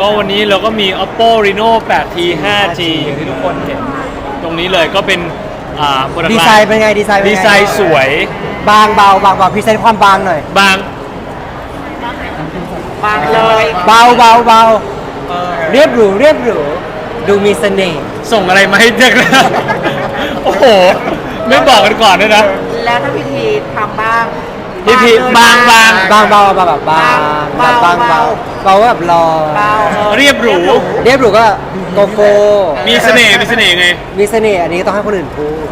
ก็วันนี้เราก็มี Oppo Reno 8T 5G อย่างที่ทุกคนเห็นตรงนี้เลยก็เป็นดีไซน์เป็นไงดีไซน์ดีไซน์สวยบางเบาพรีเซนต์ความบางหน่อยบางเลยเบาเรียบหรูดูมีเสน่ห์ส่งอะไรมาให้เด็กนะ โอ้โห ไม่บอกกันก่อนด้วยนะแล้วถ้าพิธีทำบ้างพิธีบางเบาแบบบางแบบรอเบาเรียบหรูเรียบหรูก็โกโก้มีเสน่ห์ไงมีเสน่ห์อันนี้ต้องให้คนอื่นพูด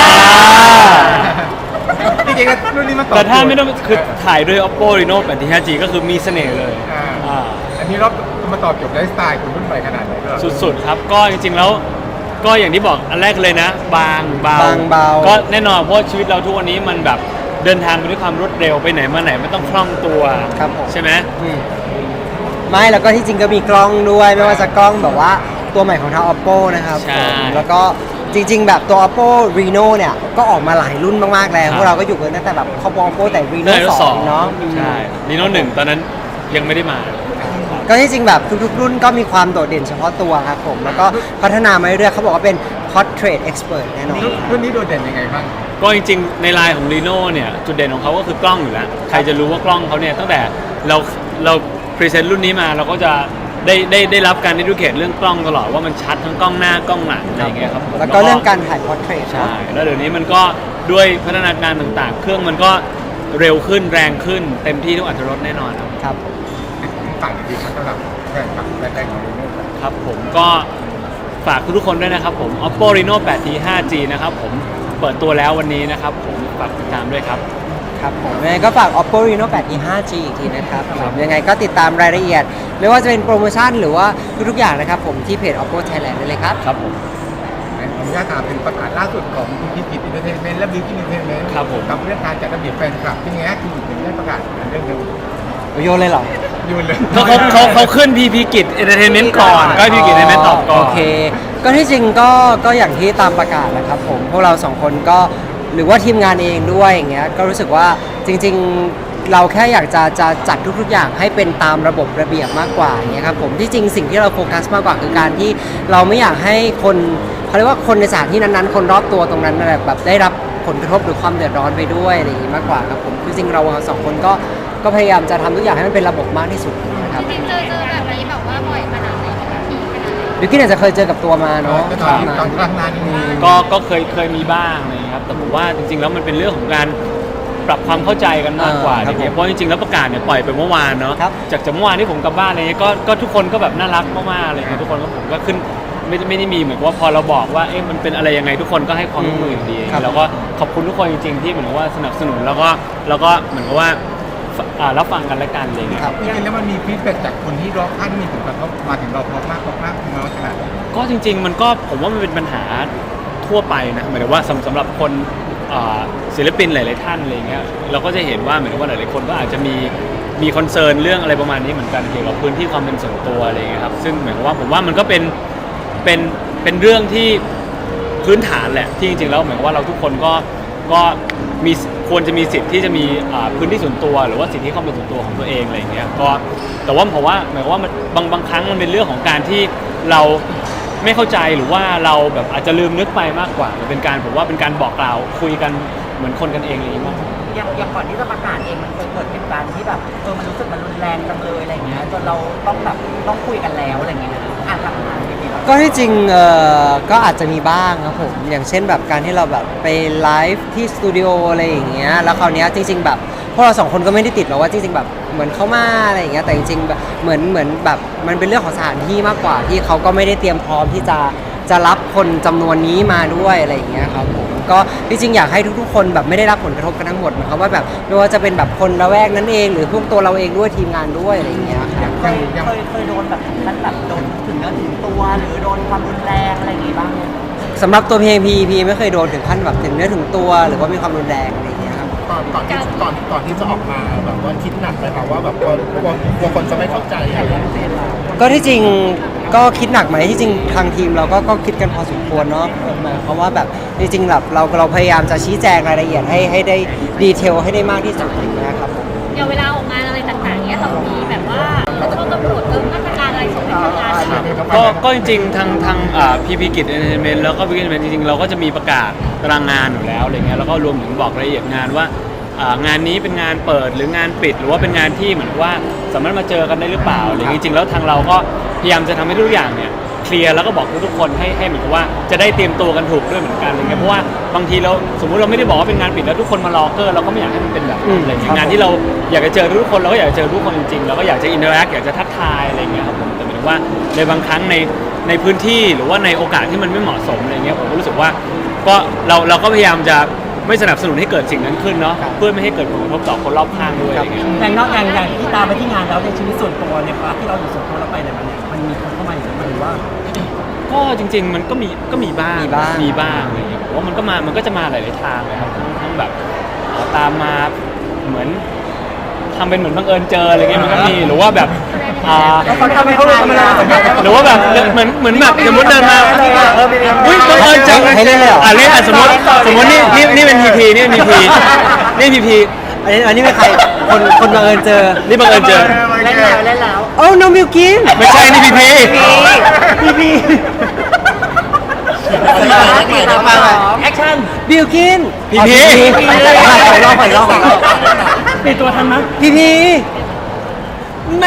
จริงๆรุ่นนี้มันตอบแต่ถ้าไม่ต้องคือถ่ายด้วย Oppo Reno 8T 5G ก็คือมีเสน่ห์เลยอันนี้เรามาตอบโจทย์ไลฟ์สไตล์คนรุ่นใหม่ขนาดไหนก็สุดๆครับก็จริงๆแล้วก็อย่างที่บอกอันแรกเลยนะ บางเบา ก็แน่นอนเพราะชีวิตเราทุกวันนี้มันแบบเดินทางไปด้วยความรวดเร็วไปไหนมาไหนไม่ต้องคล่องตัวครับผมใช่ไหมไม่แล้วก็ที่จริงก็มีกล้องด้วยไม่ว่าจะกล้องแบบว่าตัวใหม่ของทาง Oppo นะครับใช่แล้วก็จริงๆแบบตัว Oppo Reno เนี่ยก็ออกมาหลายรุ่นมากๆแล้วพวกเราก็อยู่กันตั้งแต่แบบครอบ Oppo แต่ Reno 2เนาะใช่ Reno 1ตอนนั้นยังไม่ได้มาก็ที่จริงแบบทุกๆรุ่นก็มีความโดดเด่นเฉพาะตัวครับผมแล้วก็พัฒนามาเรื่อยๆเขาบอกว่าเป็น Portrait Expert แน่นอนรุ่นนี้โดดเด่นยังไงบ้างก็จริงๆในไลน์ของ Reno เนี่ยจุดเด่นของเขาก็คือกล้องอยู่แล้วใครจะรู้ว่ากล้องเขาเนี่ยตั้งแต่เราพรีเซนต์รุ่นนี้มาเราก็จะได้รับการดิดูเคทเรื่องกล้องตลอดว่ามันชัดทั้งกล้องหน้ากล้องหลังอะไรอย่างเงี้ยครับผมแล้วก็เรื่องการถ่าย Portrait ใช่แล้วเดี๋ยวนี้มันก็ด้วยพัฒนาการต่างๆ เครื่องมันก็เร็วขึ้นแรงขึ้นเต็มที่ทุกอรรถรสแน่นอนครับครับต่างดีๆสำหรับแฟนคลับแรกๆของรุ่นนี้ครับผมก็ฝากทุกๆคนด้วยนะครับผม Oppo Reno 8T 5G นะครับผมเปิดตัวแล้ววันนี้นะครับผมฝากติดตามด้วยครับครับผมยังไงก็ฝาก Oppo Reno 8T 5G อีกทีนะครับผมยังไงก็ติดตามรายละเอียด ไม่ว่าจะเป็นโปรโมชั่นหรือว่าทุกๆอย่างนะครับผมที่เพจ Oppo Thailand ได้เลยครับครับผมขออนุญาตถามเป็นประกาศล่าสุดของคุณพิจิตรอินเตอร์เทนเมนต์และบิวกิ้นอินเตอร์เทนเมนต์ครับผมกับเรื่องการจัดระเบียบแฟนคลับเป็นไงคุณถึงได้ประกาศเรื่องนึงโยนเลยเหรอยืนเลยเขาขึ้น PP กิจ Entertainment ก่อนก็ PP กิจ Entertainment ตอบก่อนโอเค ก็ที่จริงก็อย่างที่ตามประกาศแหละครับผมพวกเราสองคนก็หรือว่าทีมงานเองด้วยอย่างเงี้ยก็รู้สึกว่าจริงๆเราแค่อยากจะจัดทุกๆอย่างให้เป็นตามระบบระเบียบมากกว่าอย่างเงี้ยครับผมที่จริงสิ่งที่เราโฟกัสมากกว่าคือการที่เราไม่อยากให้คนเขาเรียกว่าคนในสถานที่นั้นๆคนรอบตัวตรงนั้นแบบได้รับผลกระทบหรือความเดือดร้อนไปด้วยอะไรอย่างงี้มากกว่าครับผมจริงๆเราสองคนก็พยายามจะทำทุกอย่างให้มันเป็นระบบมากที่สุดนะครับจริงๆเจอแบบนี้แบบว่าบ่อยขนาดไหนแบบทีขนาดไหนบิวกิ้นอาจจะเคยเจอกับตัวมาเนาะตอนครั้งนั้นก็เคยมีบ้างอะไรอย่างเลยครับแต่ผมว่าจริงๆแล้วมันเป็นเรื่องของการปรับความเข้าใจกันมากกว่าครับผมเพราะจริงๆแล้วประกาศเนี่ยปล่อยไปเมื่อวานเนาะครับจากเมื่อวานที่ผมกลับบ้านอะไรเงี้ยก็ทุกคนก็แบบน่ารักมากๆอะไรเงี้ยทุกคนก็ผมก็ขึ้นไม่ได้มีเหมือนกับว่าพอเราบอกว่าเอ๊ะมันเป็นอะไรยังไงทุกคนก็ให้ความร่วมมืออย่างดีครับแล้วก็ขอบคุณทุกคนจริงๆที่เหมือนกับว่าสนับสนุนแล้วก็เหมือนกับว่ารับฟังกันและกันอะไรเงี้ยครับจริงๆแล้วมันมีฟีดแบ็กจากคนที่รอบข้างที่มีผลกระทบมาถึงเราพอมากน้อยขนาดไหนก็จริงๆมันก็ผมว่ามันเป็นปัญหาทั่วไปนะหมายถึงว่าสำหรับคนศิลปินหลายๆท่านอะไรเงี้ยเราก็จะเห็นว่าเหมือนว่าหลายๆคนก็อาจจะมีคอนเซิร์นเรื่องอะไรประมาณนี้เหมือนกันเกี่ยวกับพื้นที่ความเป็นส่วนตัวอะไรเงี้ยครับซึ่งหมายความว่าผมว่ามันก็เป็นเรื่องที่พื้นฐานแหละที่จริงๆแล้วหมายความว่าเราทุกคนก็มีควรจะมีสิทธิ์ที่จะมีพื้นที่ส่วนตัวหรือว่าสิทธิความเป็นส่วนตัวของตัวเองอะไรอย่างเงี้ยก็แต่ว่าผมว่าหมายความว่ามันบางครั้งมันเป็นเรื่องของการที่เราไม่เข้าใจหรือว่าเราแบบอาจจะลืมนึกไปมากกว่ามันเป็นการผมว่าเป็นการบอกกล่าวคุยกันเหมือนคนกันเองอะไรอย่างเงี้ยมากกว่าอย่างก่อนที่จะประกาศเองมันเคยเกิดเหตุการณ์ที่แบบมันรู้สึกมันรุนแรงจังเลยอะไรเงี้ยจนเราต้องคุยกันแล้วอะไรเงี้ยอ่านทำงานที่นี่เราก็ที่จริงก็อาจจะมีบ้างครับผมอย่างเช่นแบบการที่เราแบบไปไลฟ์ที่สตูดิโออะไรอย่างเงี้ยแล้วคราวเนี้ยจริงๆแบบพวกเราสองคนก็ไม่ได้ติดหรอกว่าจริงๆแบบเหมือนเขามาอะไรอย่างเงี้ยแต่จริงๆแบบเหมือนแบบมันเป็นเรื่องของสถานที่มากกว่าที่เขาก็ไม่ได้เตรียมพร้อมที่จะรับคนจำนวนนี้มาด้วยอะไรอย่างเงี้ยครับผมก็ที่จริงอยากให้ทุกๆคนแบบไม่ได้รับผลกระทบกันทั้งหมดนะครับว่าแบบไม่ว่าจะเป็นแบบคนละแวกนั้นเองหรือพวกตัวเราเองด้วยทีมงานด้วยอะไรอย่างเงี้ยครับเคยโดนแบบนั้นแบบโดนถึงเนื้อถึงตัวหรือโดนความรุนแรงอะไรอย่างงี้บ้างไหมสำหรับตัวพีไม่เคยโดนถึงขั้นแบบถึงเนื้อถึงตัวหรือว่ามีความรุนแรงอะไรอย่างเงี้ยครับก่อนที่จะออกมาแบบว่าคิดหนักเลยค่ะว่าแบบกลัวคนจะไม่เข้าใจอะไรอย่างเงี้ยก็ที่จริงก็คิดหนักไหมที่จริงทางทีมเราก็คิดกันพอสมควรเนาะหมายความว่าแบบจริงๆแบบเราพยายามจะชี้แจงรายละเอียดให้ได้ดีเทลให้ได้มากที่สุดนะครับผมอย่างเวลาออกงานอะไรต่างๆเนี้ยเรามีแบบว่าต้องกำหนดมาตรการอะไรส่งให้เขาก็จริงๆทางพีพีกิจเอนเตอร์เทนเมนต์แล้วก็พีพีกิจจริงๆเราก็จะมีประกาศตารางงานอยู่แล้วอะไรเงี้ยแล้วก็รวมถึงบอกรายละเอียดงานว่างานนี้เป็นงานเปิดหรืองานปิดหรือว่าเป็นงานที่เหมือนว่าสามารถมาเจอกันได้หรือเปล่าอะไรเงี้ยจริงๆแล้วทางเราก็พยายามจะทำให้ทุกอย่างเนี่ยเคลียร์แล้วก็บอกทุกคนให้เหมือนกับว่าจะได้เตรียมตัวกันถูกด้วยเหมือนกันอะไรเงี้ยเพราะว่าบางทีเราสมมุติเราไม่ได้บอกว่าเป็นงานปิดแล้วทุกคนมารอเกอร์เราก็ไม่อยากให้มันเป็นแบบนั้นอะไรเงี้ยงานที่เราอยากจะเจอทุกคนเราก็อยากจะเจอทุกคนจริงๆเราก็อยากจะอินเตอร์แอคอยากจะทักทายอะไรเงี้ยครับผมแต่หมายถึงว่าในบางครั้งในพื้นที่หรือว่าในโอกาสที่มันไม่เหมาะสมอะไรเงี้ยผมก็รู้สึกว่าก็เราก็พยายามจะไม่สนับสนุนให้เกิดสิ่งนั้นขึ้นเนาะเพื่อไม่ให้เกิดผลกระทบต่อคนรอบข้างด้วยอะไรเงี้ยอย่างนอกอย่างที่ตามไปที่งานแล้วในชีวิตส่วนตัวในพาร์ทที่เราอยู่ส่วนตัวเราไปไหนมาเนี่ยมันมีคนเข้ามาอย่างนี้มันหรือว่าก็จริงๆมันก็มีบ้างอะไรอย่างเงี้ยผมว่ามันก็จะมาหลายๆทางเลยครับทั้งแบบตามมาเหมือนทำเป็นเหมือนบังเอิญเจออะไรเงี้ยมันก็มีหรือว่าแบบเขาทำให้เขารู้ทำไมเราสัมภาษณ์หรือว่าแบบเหมือนแบบสมมติเดินมาอุ้ยบังเอิญเจอให้เล่นเลยเหรอเล่นสมมตินี่เป็นพีพีนี่เป็นพีพีนี่พีพีอันนี้เป็นใครคนบังเอิญเจอนี่บังเอิญเจอเล่นแล้วโอ้น้องบิวกินไม่ใช่นี่พีพีพี่แอคชั่นบิวกินพีพีขอรอบปิดตัวทันมั้ยพี่แม่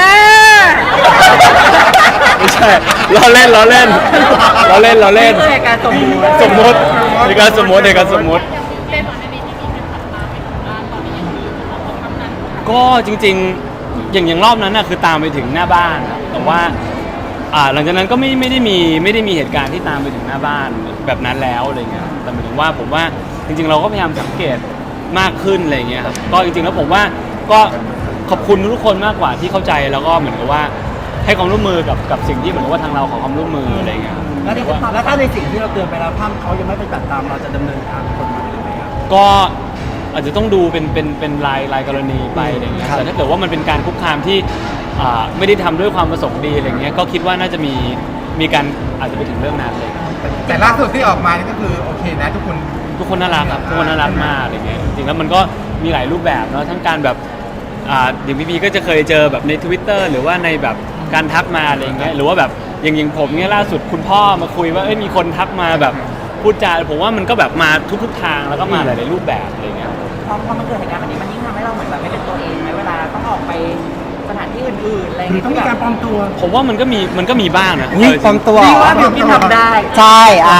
ไม่ใช่เราเล่นนี่คือการสมมุติในการสมมติอย่างเล่นตอนในที่มีการตัดมาไปถึงบ้านตอนนี้ยังมีของคำนั้นก็จริงๆอย่างรอบนั้นน่ะคือตามไปถึงหน้าบ้านครับแต่ว่าหลังจากนั้นก็ไม่ได้มีเหตุการณ์ที่ตามไปถึงหน้าบ้านแบบนั้นแล้วอะไรเงี้ยแต่หมายถึงว่าผมว่าจริงๆเราก็พยายามสังเกตมากขึ้นอะไรเงี้ยครับก็จริงๆแล้วผมว่าก็ขอบคุณทุกคนมากกว่าที่เข้าใจแล้วก็เหมือนกับว่าให้ความร่วมมือกับสิ่งที่เหมือนกับว่าทางเราขอความร่วมมืออะไรเงี้ยแล้วถ้าในสิ่งที่เราเตือนไปแล้วถ้าเขายังไม่ไปตัดตามเราจะดำเนินการกฎหมายหรือไม่ครับก็อาจจะต้องดูเป็นรายกรณีไปอะไรเงี้ยแต่ถ้าเกิดว่ามันเป็นการคุกคามที่ไม่ได้ทำด้วยความประสงค์ดีอะไรเงี้ยก็คิดว่าน่าจะมีการอาจจะไปถึงเรื่องนั้นเลยแต่ล่าสุดที่ออกมานี่ก็คือโอเคนะทุกคนน่ารักครับทุกคนน่ารักมากอะไรเงี้ยจริงๆแล้วมันก็มีหลายรูปแบบเนาะทั้งการแบบอย่างพี่ก็จะเคยเจอแบบใน Twitter หรือว่าในแบบการทักมาอะไรเงี้ยหรือว่าแบบอย่างผมเนี่ยล่าสุดคุณพ่อมาคุยว่ามีคนทักมาแบบพูดจาผมว่ามันก็แบบมาทุกทางแล้วก็มาหลายๆรูปแบบอะไรเงี้ยพอมันเกิดเหตุการณ์แบบนี้มันยิ่งทำให้เราเหมือนแบบไม่เป็นตัวเองไหมเวลาต้องออกไปสถานที่อื่นๆอะไรอย่างเงี้ยต้องมีการปลอมตัวผมว่ามันก็มีบ้างนะนี่ปลอมตัวพี่ว่าบิวกินทำได้ใช่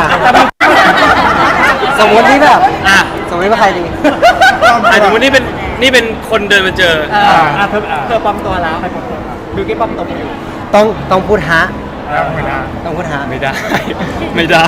สมมตินี่แบบอ่ะสมมติว่าใครดีสมมตินี่เป็นคนเดินมาเจอเธอปลอมตัวแล้วบิวกินปลอมตัวไปอยู่ต้องพูดฮะไม่ได้ต้องพูดฮะไม่ได้ ไม่ได้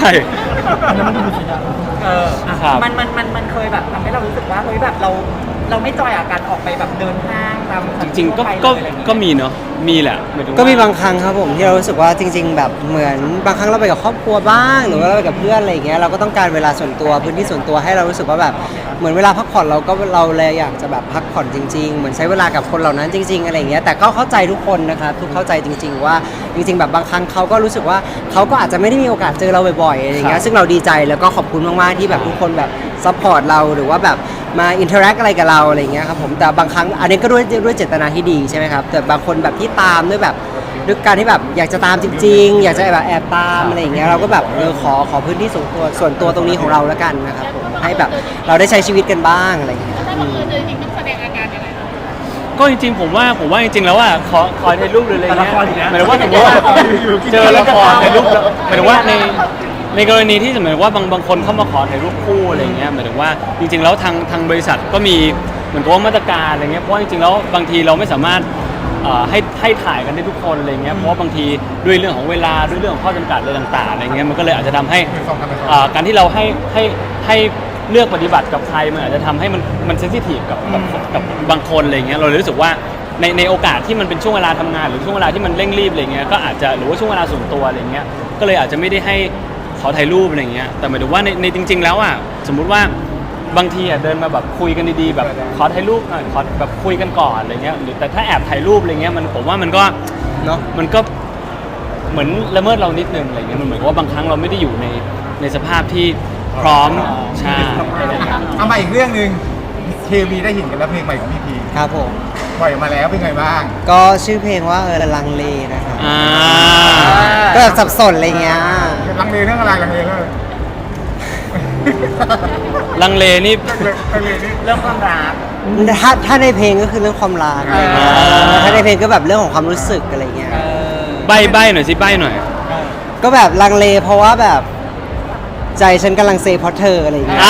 ครับมันเคยแบบทำให้เรารู้สึกว่าเฮ้ยแบบเราไม่จอยกับการออกไปแบบเดินห้างตามจริงๆก็มีเนาะมีแหละหมายถึงว่าก็มีบางครั้งครับผมที่เรารู้สึกว่าจริง ๆ แบบเหมือนบางครั้งเราไปกับครอบครัวบ้างหรือว่าเราไปกับเพื่อนอะไรอย่างเงี้ยเราก็ต้องการเวลาส่วนตัวพื้นที่ส่วนตัวให้เรารู้สึกว่าแบบเหมือนเวลาพักผ่อนเราเลยอยากจะแบบพักผ่อนจริง ๆ เหมือนใช้เวลากับคนเหล่านั้นจริง ๆอะไรอย่างเงี้ยแต่ก็เข้าใจทุกคนนะครับทุกเข้าใจจริง ๆ ว่าจริง ๆ แบบบางครั้งเขาก็รู้สึกว่าเขาก็อาจจะไม่ได้มีโอกาสเจอเราบ่อยๆอะไรอย่างเงี้ยซึ่งเราดีใจแล้วก็ขอบคุณมากๆที่แบบทุกคนแบบซัพพอร์ตเราหรือว่าแบบมาอินเทอร์แอคอะไรกับเราอะไรอย่างเงี้ยครับผมแต่บางครั้งอันนี้ก็ด้วยเจตนาที่ดีใช่ไหมครับแต่บางคนแบบที่ตามด้วยแบบด้วยการที่แบบอยากจะตามจริง ๆ อยากจะแบบแอบตามอะไรอย่างเงี้ยเราก็แบบขอพื้นที่ส่วนตัวตรงนี้ของเราแล้วกันนะครับผมให้แบบเราได้ใช้ชีวิตกันบ้างอะไรอย่างเงี้ยถ้าบังเอิญเจอจริงต้องแสดงอาการยังไงคะก็จริงๆผมว่าจริงๆแล้วอ่ะขอถ่ายรูปหรืออะไรเงี้ยละครอีกแล้วหมายถึงว่าสมมติว่าเจอละครถ่ายรูปหมายถึงว่าในกรณีที่สมมติว่าบางคนเข้ามาขอถ่ายรูปคู่อะไรเงี้ยหมายถึงว่าจริงๆแล้วทางบริษัทก็มีเหมือนกับว่ามาตรการอะไรเงี้ยเพราะว่าจริงๆแล้วบางทีเราไม่สามารถให้ถ่ายกันได้ทุกคนอะไรเงี้ยเพราะว่าบางทีด้วยเรื่องของเวลาด้วยเรื่องของข้อจำกัดอะไรต่างๆอะไรเงี้ยมันก็เลยอาจจะทำให้การที่เราให้เลือกปฏิบัติกับใครมันอาจจะทำให้มันเซนซิทีฟกับบางคนอะไรเงี้ยเราเลยรู้สึกว่าในโอกาสที่มันเป็นช่วงเวลาทำงานหรือช่วงเวลาที่มันเร่งรีบอะไรเงี้ยก็อาจจะหรือว่าช่วงเวลาส่วนตัวอะไรเงี้ยก็เลยอาจจะไม่ได้ให้ขอถ่ายรูปอะไรเงี้ยแต่หมายถึงว่าในจริงๆแล้วอ่ะสมมุติว่าบางทีอ่ะเดินมาแบบคุยกันดีๆแบบขอถ่ายรูปหน่อยขอแบบคุยกันก่อนอะไรเงี้ยหรือแต่ถ้าแอบถ่ายรูปอะไรเงี้ยผมว่ามันก็เนาะมันก็เหมือนละเมิดเรานิดนึงอะไรเงี้ยมันเหมือนกับว่าบางครั้งเราไม่ได้อยู่ในสภาพที่พร้อมใช่อะไรเงี้ยเอามาอีกเรื่องหนึ่งเคมีได้เห็นกันแล้วเพลงใหม่ของพี่พีครับผมปล่อยออกมาแล้วเป็นไงบ้างก็ชื่อเพลงว่าลังเลนะครับอ่าก็แบบสับสนอะไรเงี้ยลังเลเรื่องอะไรลังเลเรื่องอะไรลังเลนี่ลังเลนี่เรื่องความรักถ้าในเพลงก็คือเรื่องความรักอะไรเงี้ยถ้าในเพลงก็แบบเรื่องของความรู้สึกอะไรเงี้ยใบหน่อยสิใบหน่อยก็แบบลังเลเพราะว่าแบบใจฉันกำลังเซเพราะเธออะไรเงี้ยอ่า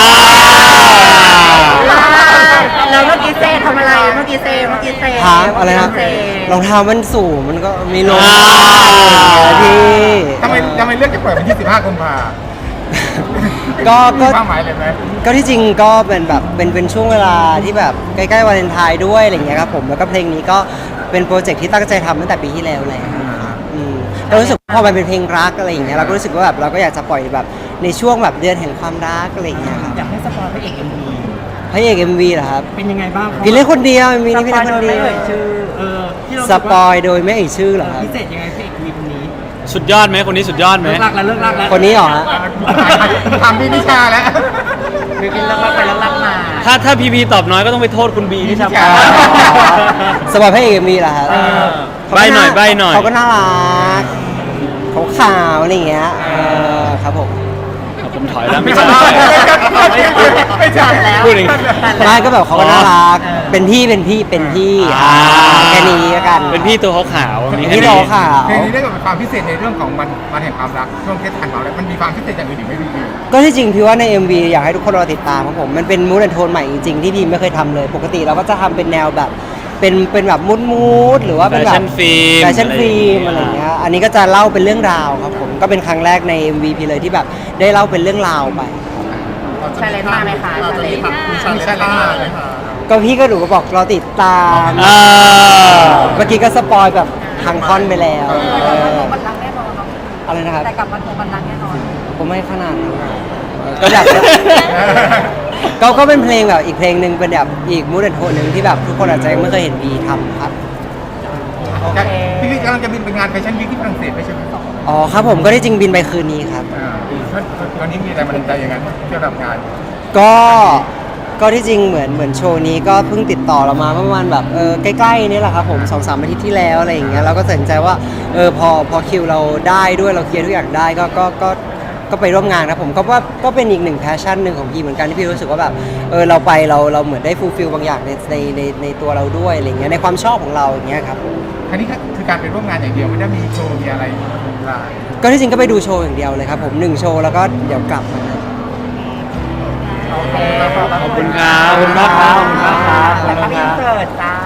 แล้วเมื่อกี้เซทำอะไรเมื่อกี้เซถามอะไรนะเซรองเท้ามันสูงมันก็มีลมอ่าพี่ทำไมเลือกจะเปิดวันที่15กุมภาก็มีความหมายเลยไหมก็ที่จริงก็เป็นแบบเป็นช่วงเวลาที่แบบใกล้ๆวาเลนไทน์ด้วยอะไรเงี้ยครับผมแล้วก็เพลงนี้ก็เป็นโปรเจกต์ที่ตั้งใจทำตั้งแต่ปีที่แล้วแหละเรารู้สึกว่าพอมันเป็นเพลงรักอะไรอย่างเงี้ยเราก็รู้สึกว่าแบบเราก็อยากจะปล่อยแบบในช่วงแบบเดือนแห่งความรักอะไรอย่างเงี้ยครับอยากให้สปอยพระเอก MV พระเอก MV เหรอครับเป็นยังไงบ้างพี่เล่นคนเดียวมีนี่พี่สปเล่อน ยคนโดยเดียวไม่เอ่ยชื่อที่เราสปอยโดยไม่เอ่ยชื่อเหรอครับพิเศษยังไงพระเอก MV คนนี้สุดยอดไหมคนนี้สุดยอดไหมเลิกรักแล้วคนนี้เหรอฮะทำพี่นิชาแล้วมีกินเลิกรักไปเลิกรักมาถ้าพีพีตอบน้อยก็ต้องไปโทษคุณบีที่ทำใช่สปอยพระเอก MV เหรอครับใบ้หน่อยใบ้หน่อยเขาก็น่ารักเขาขาวอะไรอย่างเงี้ยครับผมผมถอยแล้วไม่ใช่ไม่ใช่แล้วพูดอย่างงี้ไม่ก็แบบเขาก็น่ารักเออเป็นพี่แค่นี้แล้วกันเป็นพี่ตัวขาวๆมีแค่พี่นี้โตขาวเพลงนี้ได้กับความพิเศษในเรื่องของมันแห่งความรักช่วงเทศกาลของเรามันมีความพิเศษอย่างอื่นอีกไหมพี่ก็ที่จริงพี่ว่าใน MV อยากให้ทุกคนรอติดตามครับผมมันเป็นมูดแอนโทนใหม่จริงๆที่พี่ไม่เคยทำเลย ปกติเราก็จะทำเป็นแนวแบบเป็นแบบมูดหรือว่าแฟเป็นแบบชั่นฟิล์มแฟชั่นฟิล์มอะไรอย่างเงี้ยอันนี้ก็จะเล่าเป็นเรื่องราวครับผมก็เป็นครั้งแรกใน MV พี่เลยที่แบบได้เล่าเป็นเรื่องราวไปชาเลนจ์มาไหมคะเราจะมีผักคุณชาเลนจ์มาไหมคะก็พี่ก็หนูก็บอกรอติดตามอ่าเมื่อกี้ก็สปอยแบบทางท่อนไปแล้วแต่กลับมาทวงบัลลังก์แน่นอนเนาะอะไรนะครับแต่กลับมาทวงบัลลังก์แน่นอนผมไม่ขนาดนั้นก็อยากก็เป็นเพลงแบบอีกเพลงหนึ่งเป็นแบบอีกมูดแอนโทนหนึ่งที่แบบทุกคนอาจจะยังไม่เคยเห็นบีทำครับโอเคพี่กำลังจะบินไปงานแฟชั่นวีคที่ฝรั่งเศสไม่ใช่ไหมอ๋อครับผมก็ได้จริงบินไปคืนนี้ครับตอนนี้มีอะไรมาดันใจอย่างนั้นเกี่ยวกับงานก็ที่จริงเหมือนโชว์นี้ก็เพิ่งติดต่อเรามาเมื่อประมาณแบบใกล้ๆนี่แหละครับผม2-3 อาทิตย์ที่แล้วอะไรอย่างเงี้ยเราก็ตัดสินใจว่าพอคิวเราได้ด้วยเราเคลียร์ทุกอย่างได้ก็ไปร่วมงานนะผมก็ว่าก็เป็นอีกหนึ่งแพชชั่นหนึ่งของพี่เหมือนกันที่พี่รู้สึกว่าแบบเราไปเราเหมือนได้ฟูลฟิลบางอย่างในตัวเราด้วยอะไรเงี้ยในความชอบของเราอย่างเงี้ยครับครั้นี้คือการไปร่วมงานอย่างเดียวไม่ได้มีโชว์มีอะไรลายก็ที่จริงก็ไปดูโชว์อย่างเดียวเลยครับผม1 โชว์แล้วก็เดี๋ยวกลับมาโอเคขอบคุณครับขอบคุณมากครับขอบคุณมากครับแล้วก็มีเสิร์ตจ้า